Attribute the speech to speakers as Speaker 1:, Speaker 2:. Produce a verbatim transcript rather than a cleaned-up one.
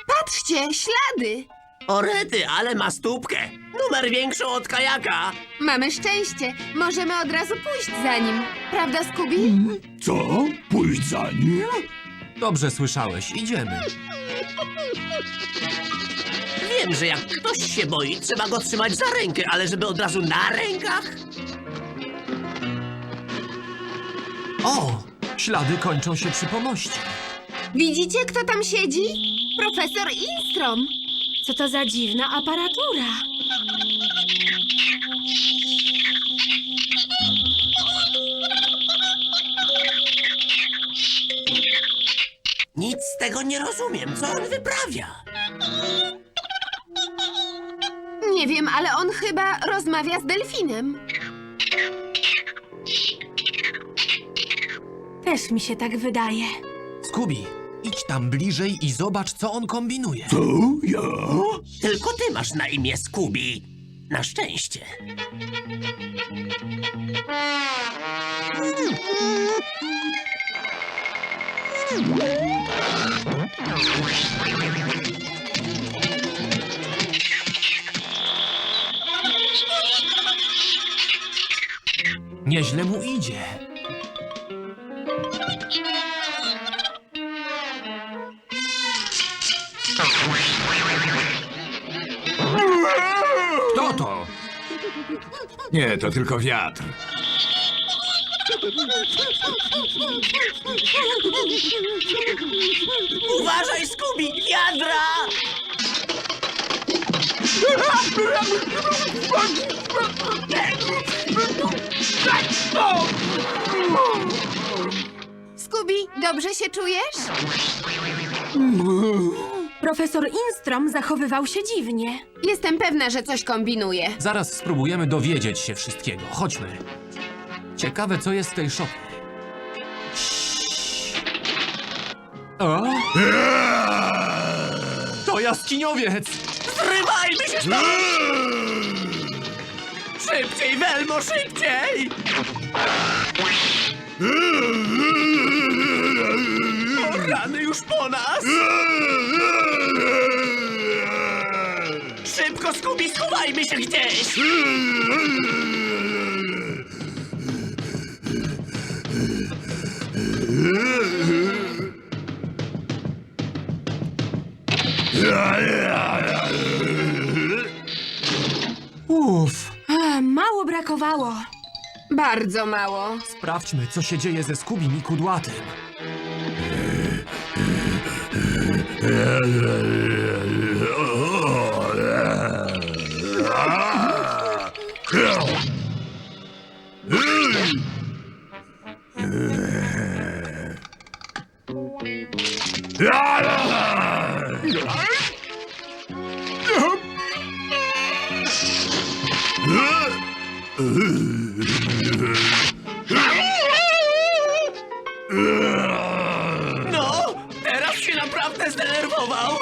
Speaker 1: Patrzcie, ślady!
Speaker 2: O rety, ale ma stópkę. Numer większą od kajaka.
Speaker 1: Mamy szczęście. Możemy od razu pójść za nim. Prawda, Scooby?
Speaker 3: Co? Pójść za nim?
Speaker 4: Dobrze słyszałeś, idziemy.
Speaker 2: Wiem, że jak ktoś się boi, trzeba go trzymać za rękę, ale żeby od razu na rękach?
Speaker 4: O, ślady kończą się przy pomoście.
Speaker 1: Widzicie, kto tam siedzi? Profesor Instrom.
Speaker 5: Co to za dziwna aparatura?
Speaker 2: Nic z tego nie rozumiem. Co on wyprawia?
Speaker 1: Nie wiem, ale on chyba rozmawia z delfinem.
Speaker 5: Też mi się tak wydaje.
Speaker 4: Scooby, idź tam bliżej i zobacz, co on kombinuje.
Speaker 3: Co? Ja?
Speaker 2: Tylko ty masz na imię Scooby. Na szczęście.
Speaker 4: Nieźle mu idzie.
Speaker 3: Kto to? Nie, to tylko wiatr.
Speaker 2: Uważaj, Scooby! Jadra!
Speaker 1: Scooby, dobrze się czujesz?
Speaker 5: Profesor Instrom zachowywał się dziwnie.
Speaker 1: Jestem pewna, że coś kombinuje.
Speaker 4: Zaraz spróbujemy dowiedzieć się wszystkiego. Chodźmy. Ciekawe, co jest w tej szopie. O? To jaskiniowiec!
Speaker 2: Zrywajmy się stąd! Szybciej, Welmo, szybciej! O rany, już po nas! Szybko, Scooby, schowajmy się gdzieś!
Speaker 4: Uff,
Speaker 5: A, mało brakowało.
Speaker 1: Bardzo mało.
Speaker 4: sprawdźmy, co się dzieje ze Scubim i Kudłatym.
Speaker 2: No, teraz się naprawdę zdenerwował!